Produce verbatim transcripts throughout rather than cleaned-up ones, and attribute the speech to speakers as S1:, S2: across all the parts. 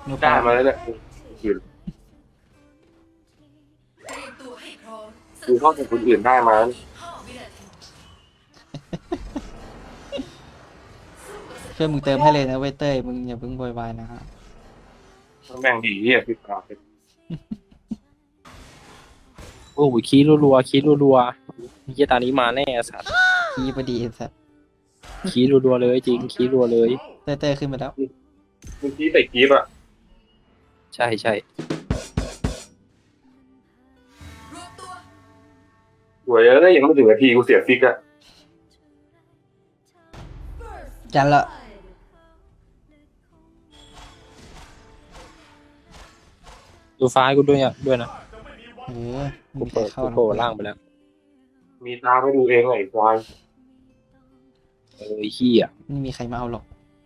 S1: นูฟ
S2: ได้
S1: อร์ม
S2: มาแล้วเนี่ยอื่นคือข้อมูลคนอื่นได้มาแล้ว
S1: ช่วยมึงเติมให้เลยนะเว้ยเต้ยมึงอย่าเพิ่งโวยวายนะฮะ
S2: แม่งดีเฮียพี่ปาเป็น
S3: โอ้ยคีรัวๆคีรัวๆเฮียตานี้มาแน่สัตว์
S1: ขี้พอดีไอ้สัส
S3: คีรัวๆเลยจริงคีรัวเลย
S1: เต้ยเต้ยขึ้นมาแล้ว
S2: เมื่อกี้ใส่กีบอ่ะ
S3: ใช่ใช่
S2: สวยแล้วยังไม่ถึงนาทีกูเสียฟิกอ่ะ
S1: จันละ
S3: ดูฟ้ากูด้วยอ่ะด้วยนะ
S1: เออ
S3: กู
S1: มีใคร
S3: เปิด
S1: เข้า
S3: กู
S1: นะ
S3: โผล่ล่างไปแล้ว
S2: มีตาไม่ดูเองไอ้ควาย
S3: เออเฮีย
S1: ไม่มีใครมาเอาหรอก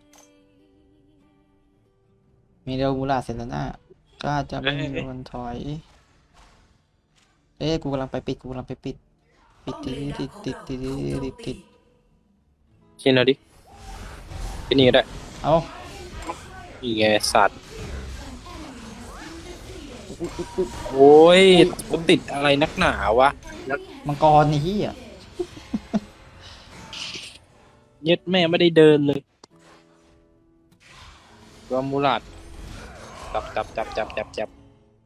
S1: มีเดลมูลาเซนตาน่าก็จะไม่มีวันถอยเอ้ยกูกำลังไปปิดกูกำลังไปปิดปิดติดติดติดติดติดติดติด
S3: เช่นเอาดิที่นี่ก็ได้
S1: เอา
S3: นี่ไงสัตว์โอ้ยกูติดอะไรนักหนาวะ
S1: มังกรนี่อ่ะ
S3: เย็ดแม่ไม่ได้เดินเลยตัวมูลาดจับจับจับจับจับจับ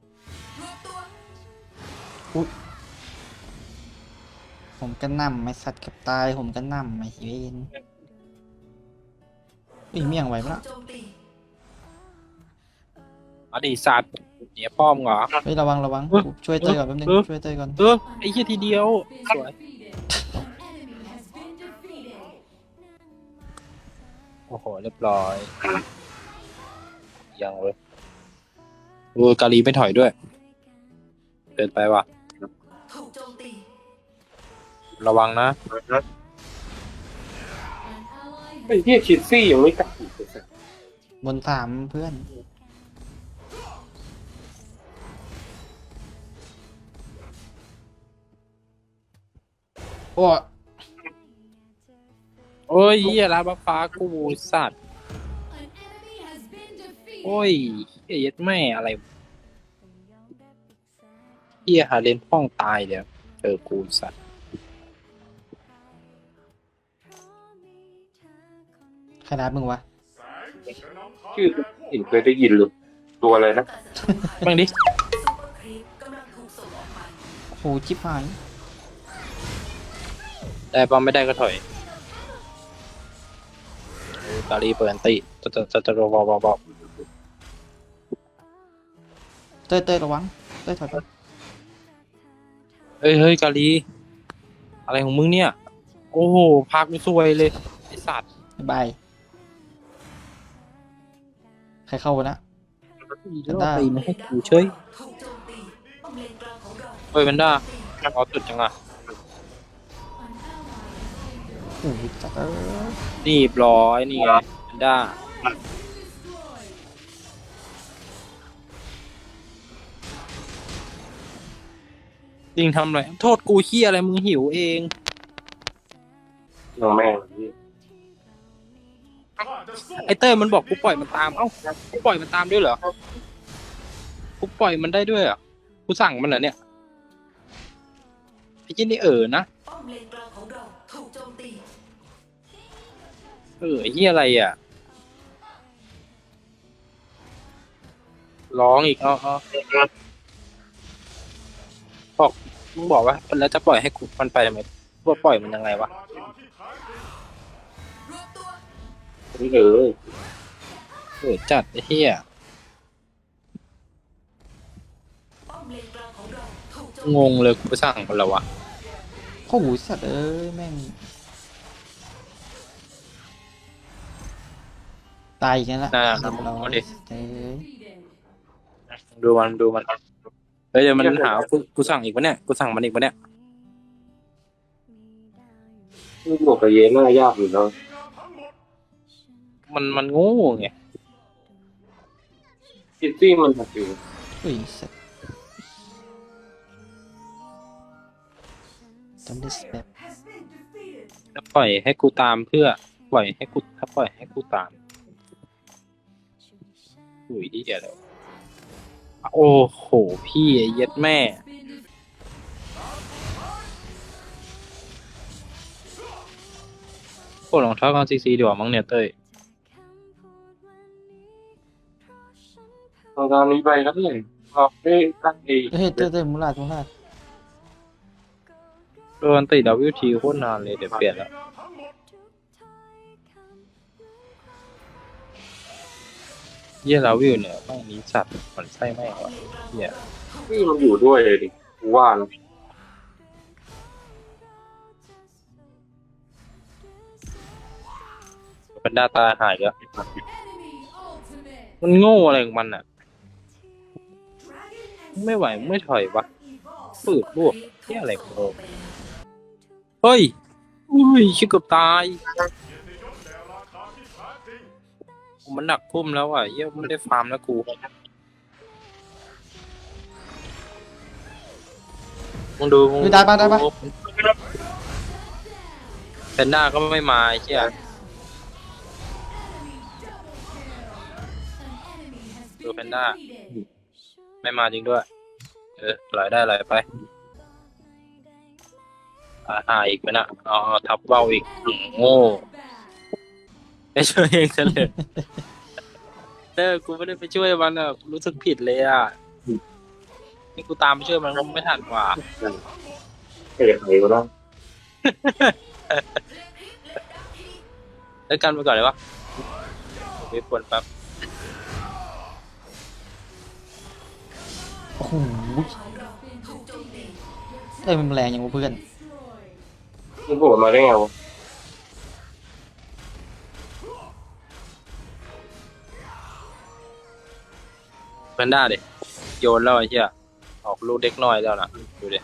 S1: ผมก็นั่มไม่สัตว์กับตายผมก็นั่มไม่เวนอุ้ยเมี่ยงไหวปะล่ะ
S3: มาดิสัตว์เนี่ยป้อมเหรอ
S1: เฮ้ยระวังระวัง
S3: เออ
S1: กูช่วยเต้ยก่อนแป๊บนึง
S3: เออ
S1: ช่วยเต้ยก่อน
S3: เออไอ้เหี้ยทีเดียวสวยโอ้โหเรียบร้อยยังเลยโอ้ยกาลีไม่ถอยด้วยเดินไปว่ะระวังนะ
S2: ไอ้เฮียคิดซี่ยังไม่กลับอีกเลยสัส
S1: บนสามเพื่อนโอ้
S3: โอ้ยเหี้ยลาบฟ้ากูสัตว์โอ้ยเหี้ยเย็ดแม่อะไรเหี้ยหาเลนพ่องตายเดี๋ยวเจอกูสัตว์
S1: ใครนัดมึงวะ
S2: ชื่อเห็นเคยได้ยินหรือตัวอะไรนะ
S3: บ้างดิ
S1: โหชิบหาย
S3: ได้ป้อมไม่ได้ก็ถอยโอ้ยกาลีเปิดอันติจะจะจะจะรอบอบอบ
S1: เต้ยเต้ยระวังเต้ยถอยไป
S3: เฮ้ยเฮ้ยกาลีอะไรของมึงเนี่ยโอ้โหพักไม่ซวยเลยไอสัตว์
S1: บ๊ายบายใครเข้าวะนะ
S3: แล้วเอาตีมาให้กูเฉยเฮ้ยแพนด้าเอาสุดจังอ่ะ
S1: โอ้ยจัดเออ
S3: นี่บร้อยนี่ไงแพนด้าจริงทำอะไรโทษกูเฮียอะไรมึงหิวเอง
S2: น้องแม่งนี่
S3: ไอเต้ยมันบอกกูปล่อยมันตามเอ้ากูปล่อยมันตามด้วยเหรอกูปล่อยมันได้ด้วยเหรอกูสั่งมันเหรอเนี่ยไอ้เจนี่เออนะเออไอ้เฮียอะไรอ่ะร้องอีกอ๋ออ๋อบอกมึงบอกว่าแล้วจะปล่อยให้กูมันไปทำไมว่าปล่อยมันยังไงวะ
S2: นี่เลย
S3: เออจัดไอ้เฮียงงเลยกูไปสั่งมันแล้ววะ
S1: โอ้โหสัตว์เอ้ยแม่งตายอีกแล้วละ
S3: น่า
S1: เรียบร้อ
S3: เอา
S1: ย
S3: ดิ
S1: เอ้ย
S3: ดูมันดูมันเฮ้ยเดี๋ยวมันหากูกูสั่งอีกวะเนี่ยกูสั่งมันอีกวะเนี่ย
S2: นี่บวกกับเยน่ายากอยู่แล้ว
S3: มันมันโง่ไง
S2: คิดซี่มันแบบอยู่
S1: อุ้ยสัตว์จำได้สเปป
S3: ถ้าปล่อยให้กูตามเพื่อปล่อยให้กูถ้าปล่อยให้กูตามอุ้ยที่เดียวเลยโอ้โหพี่ไอ้เย็ดแม่โอ้รองเท้ากันซีซีดีกว่ามั้งเนี่ยเต้ย
S2: ตอนนี้ไปแล้วเนี่ยเราได้ตั้งเอง
S1: เฮ้ยเต้ยเต้ยมูลาดมูลาด
S3: โดนติดดับวิวทีโคตรนานเลยเดี๋ยวเปลี่ยนแล้วเยี่ยลาวิวเนี่ยแม่งนี้สัตว์มันไส้แม่งวะเยี่ย
S2: นี่มันอยู่ด้วยเลยดิกูว่านะ
S3: เป็นดาตาหายก็มันโง่อะไรของมันอ่ะไม่ไหวไม่ถอยวะปืดบวกเยี่ยอะไรของโง่เฮ้ยอุ้ยชิบเกือบตายมันหนักพุ่มแล้วอ่ะเยี่ยไม่ได้ฟาร์มแล้วกูมึงดูมึง
S1: ได้ปะได้ปะ
S3: แพนด้าก็ไม่มาไอ้เชี่ยดูแพนด้าไม่มาจริงด้วยเออไหลได้ไหลไปอ่าหาอีกไหมนะอ๋อทับเบ้าอีกอืมโง่ไม่ช่วยเองซะเลยเออกูไม่ได้ไปช่วยมันอ่ะรู้สึกผิดเลยอ่ะนี่กูตามไปช่วยมันก็ไม่ทันกว่า
S2: เอกไหนก็ได้
S3: แล้วกันไปก่อนเลยวะไปปวดแป๊บ
S1: โอ้โหเต้ยมันแรงอย่างกูเพื่อน
S2: มึงโผล่มาได้ไงวะ
S3: แพนด้าดิโยนแล้วไอ้เหี้ยออกลูกเล็กน้อยแล้วนะดูดิ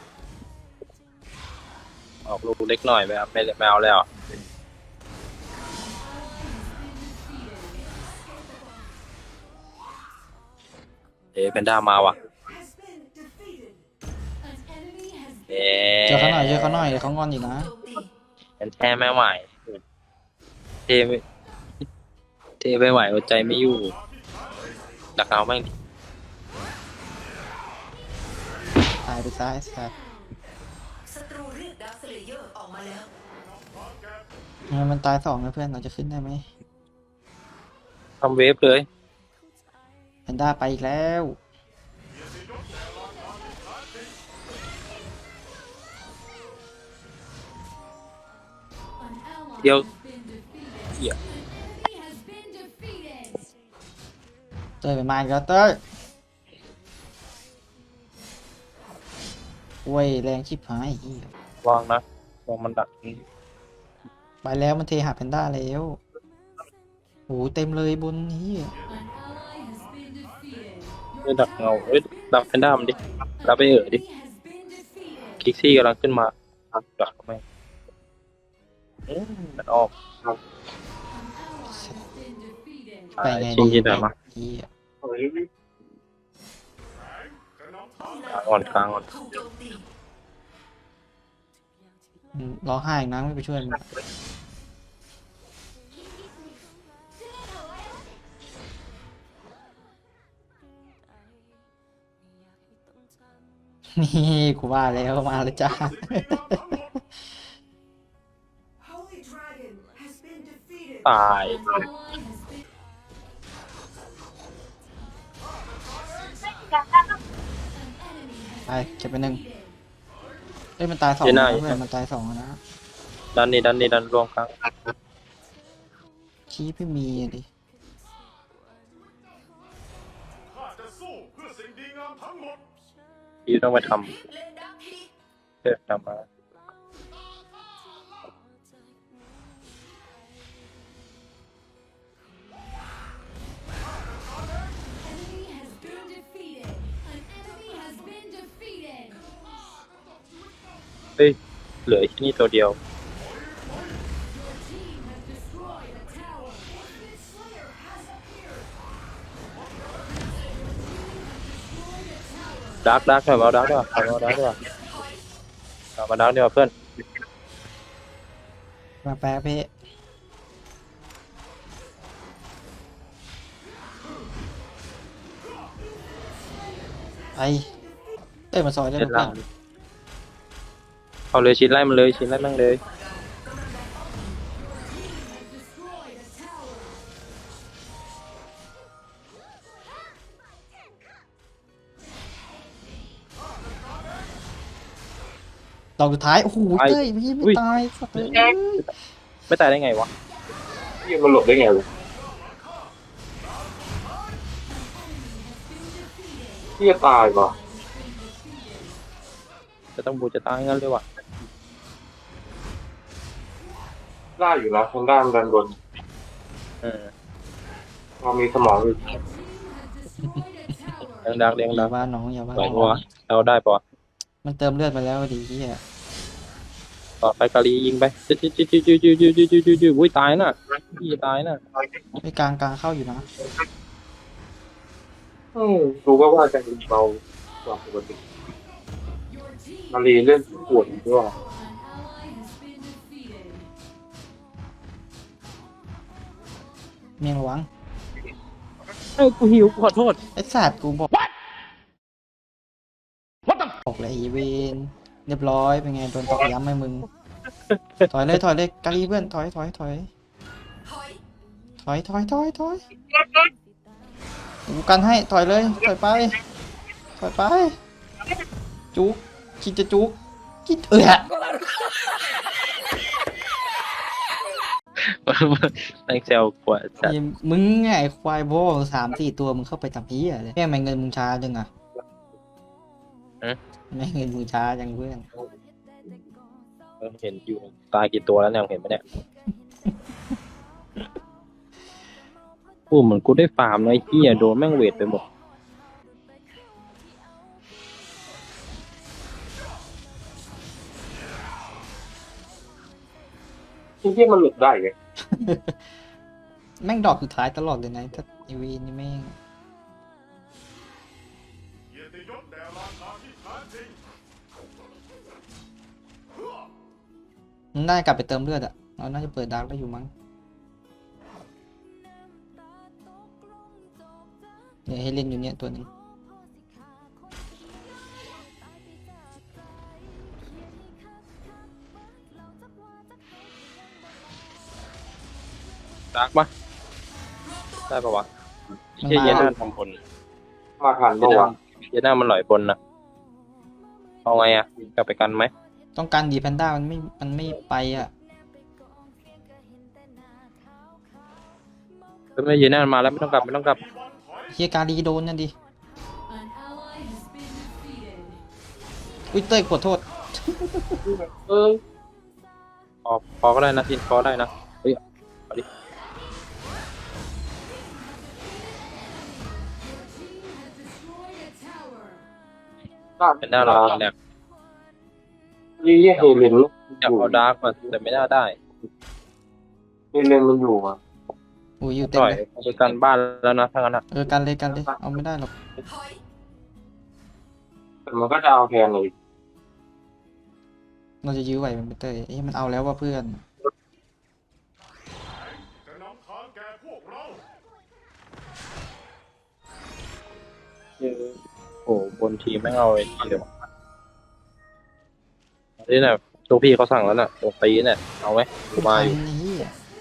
S3: ออกลูกเล็กน้อยไปครับไม่ไม่เอาแล้วเอ๊ะแพนด้ามาว่ะเอ๊
S1: เจอเขาหน่อยเจอเขาหน่อยเดี๋ยวเขางอนอีกนะ
S3: แอนแท้ไม่ไหวเทไม่เทไม่ไหวอดใจไม่อยู่ดักเอาแม่ง
S1: ตายไปซ้ายสัตว์
S4: ศัตรูเรียกดาร์คสเลเยอร์ออกมาแล้ว
S1: งั้นมันตายสองนะเพื่อนเราจะขึ้นได้ไหม
S3: ทำเวฟเลย
S1: แพนด้าไปอีกแล้ว
S3: เดี๋ยวเหี้ย
S1: เต้ยไปมาอีกแล้วเต้ยโว้ยแรงชิบหายเหี้ยว
S3: างนะวางมันดัก
S1: ไปแล้วมันเทหาแพนด้าแล้วโอ้โหเต็มเลยบนนี้ย
S3: ไม่ดักเงาเอ้ยดักแพนด้ามันดิดักไปเอ๋อดิคิกซี่กำลังขึ้นมาดักทำไมอืมมันออก
S1: ไปไง
S3: ชิ
S1: ดี
S3: งยินได้มา
S1: เหี้ย
S2: เฮ้ย
S3: กลางอ่อนกลางอ่อน
S4: ถูกโจมตี
S1: อืมร้องไห้อีกนะไม่ไปช่วยมันนี่กูว่าแล้วมาแล้วจ้า
S4: Holy Dragon has been defeated
S3: ตาย
S1: ไปเก็บไปหนึ่งเอ้ยมันตายสอง
S3: เจ
S1: นะ
S3: น่า
S1: เพื่อนมันตายสองนะ
S3: ดันนี่ดันนี่ดันรวมกลาง
S1: ชี้ไม่มีอะดิ
S5: ข้าจะสู้เพื่อสิ่งดีงามทั้งหมด
S3: พี่ต้องไปท
S4: เล่นดักที
S3: ำเพื่อทำมา เฮ้ยเหลือที่นี่ตัวเดียวดักดักหน่อยมาเอาดักด้วยเอามาดักด้วยเอามาดักดีกว่าเพื่อน
S1: มาแป๊บเพ่ไอ้เต้ยมาซอยได้
S3: เล่
S1: ไหม
S3: นล่างเอาเลยชิ้นไล่มันเลยชิ้นไล่มันเลย
S1: ดอกสุดท้ายโอ้โหเต้ยไม่ไม่ตายสัตว์เลย
S3: ไม่ตายได้ไงวะ
S2: ที่มันหลบได้ไงวะที่จะตายป่ะ
S3: จะต้องบูจะตายงั้นเลยวะ
S2: ได้อยู่นะทางด้านด้านบน
S3: เออ
S2: เรามีสมองอยู่
S3: เลี้ยงดักเลี้ยง
S1: อ
S3: ดั
S1: ย่าก ว่าน้องอย่าว่า
S3: ไหว
S1: น้อง
S3: วะเราได้ปะ
S1: มันเติมเลือดไปแล้วดีที่อ่ะ
S3: ต่อไปกาลียิงไปจิ๊ดจิ๊ดจิ๊ดจิ๊ดจิ๊ดจิ๊ดจิ๊ดจิ๊ดจิ๊ดจิ๊ดอุ้ยตายน่ะพี่ตายน่ะ
S1: ไม่กลางกลางเข้าอยู่นะ
S2: อืมรู้ก็ว่าจะเป็นเบากว่าปกติมารีเล่นปวดด้วย
S1: เมียงระวัง
S3: เอ้ยกูหิวขอโทษ
S1: ไอ้สัตว์กูบอกบอกเลยไอีเวนเรียบร้อยเป็นไงโดนตอกย้ำไหมมึง ถอยเลยถอยเลยกาลีเพื่อนถอยถอยถอยถอยถอยถอยถอยกูกันให้ถอยเลยถอยไปถอยไปจุกคิดจะจุกคิดเออ
S3: แม่งเซลกว่าจัด
S1: ไอ้มึงไงไอ้ควายโบสามสี่ตัวมึงเข้าไปทำเพี้ยเลยแม่งแม่งเงินมึงช้าจังอ่ะแม่งเงินมึงช้าจังเพื่อน
S3: เห็นอยู่ตายกี่ตัวแล้วเนี่ยเห็นไหมเนี่ยกูเหมือนกูได้ฟาร์มเลยเฮียโดนแม่งเวทไปหมด
S2: ที่ที่มันหลบได้ไง
S1: แม่งดอกสุดท้ายตลอดเลยนะถ้าไอวีนี่แม่ง
S5: เกียรติยศแด่ราชาที่แท้จริง
S1: มันน่าจะกลับไปเติมเลือดอ่ะเราน่าจะเปิดดาร์กได้อยู่มั้งเนี่ยให้เล่นอยู่เนี่ยตัวนี้
S3: ดาร์กปะได้ปะวะเฮียเยน่าทำบน
S2: มาทัน
S3: เย
S2: ปะ
S3: น่าว
S2: ะ
S3: เยน่ามันหลอยบนนะเอาไงอ่ะกลับไปกันไหม
S1: ต้องการดีแพนด้ามันไม่มันไม่ไปอ่ะ
S3: ไม่เยน่ามาแล้วไม่ต้องกลับไม่ต้องกลับ
S1: เฮียการีโดนนั่นดิอุ้ยเต้ยขอโทษ
S2: เออ
S3: พอพอก็ได้นะทินพอได้นะเฮ้ยเอาดิ
S2: ได้
S3: เป็นหน้าเราแหลก
S2: ยี่เฮเลนลูก
S3: อยากเอาดาร์กมาแต่ไม่น่าได้
S2: เฮเลนมันอยู่อ่ะ
S1: อุ้ยอยู่เต็
S3: ป
S1: ม
S3: ล่อย
S1: เลย
S3: เอาไปกันบ้านแล้วนะถ้างั้นอ่ะ
S1: เออกันเลยกันเลยเอาไม่ได้หรอก
S2: แต่มันก็จะเอาแทนเลย
S1: เราจะยื้อไหวมันไปเต้ยเอ้ยมันเอาแล้วว่าเพื่อน
S5: จะนำทางแก่พวกเรา
S3: โอ้บนทีมไม่งเอาไอ้ทีเดียวนี่น่ะตัวพี่เขาสั่งแล้วน่ะตัวตีเนี่ยเอาไหมกูมาอยู่
S1: ทันนี่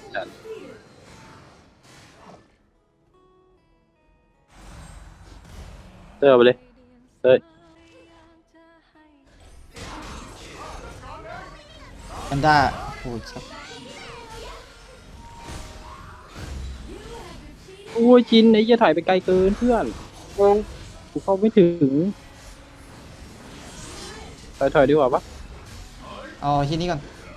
S3: เตอร์ไปเลยเต้ย
S1: แพนด้าโอ้ยสัส
S3: โอ้ยจินไอ้เหี้ยถ่ายไปไกลเกินเพื่อนกูเข้าไม่ถึงถอยถอยดีกว่าปะ
S1: เอาที่นี้ก่อน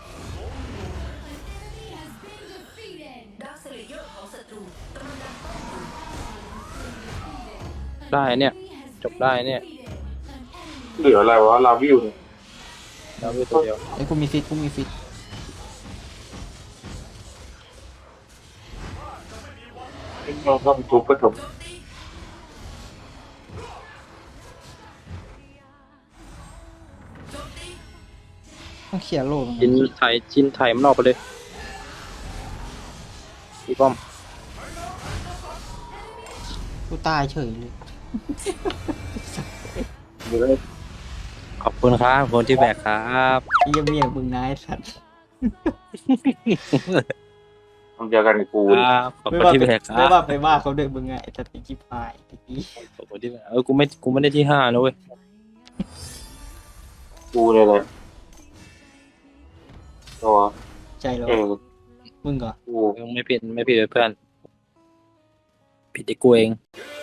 S3: ได้เนี่ยจบได้เนี่ย
S2: เหลืออะไรวะลาวิวเนี่ย
S3: แล้วมีตัวเดียว
S1: ไอ้ยกูมีฟิตกูมีฟิต
S2: เราทำทุบก็จบ
S1: ต้องเขี่ยร์โลก
S3: จินไถจินไถมันออกไปเลยพี่ป้อม
S1: กูตายเฉยเลย
S2: อยู่เลย
S3: ขอบคุณครับคนที่แบกครับ
S1: ไอ้เหี้ยเมียมึงนายสัตว์
S2: ทำเดียวกันกับกู
S3: ค
S2: เลย
S3: รับขอบ
S1: ไม่
S3: คุณ
S1: ว่า
S3: ที่
S1: ไป
S3: แบกครั
S1: ไม่
S3: บ
S1: ว่าไปว่าเขาด้วยมึงไงไอ้สัตว์ไอ้จิ๊บหายไอ้กี้
S3: ขอบคุณที่แบกเออกูไม่กูไม่ได้ที่ห้านะเว้ย
S2: กูเลยเลยตัว
S1: ใจเรา
S2: เออ
S1: มึงก่อน
S2: กู
S3: มึงไม่ผิดไม่ผิดเลยเพื่อนผิดที่กูเอง
S5: เ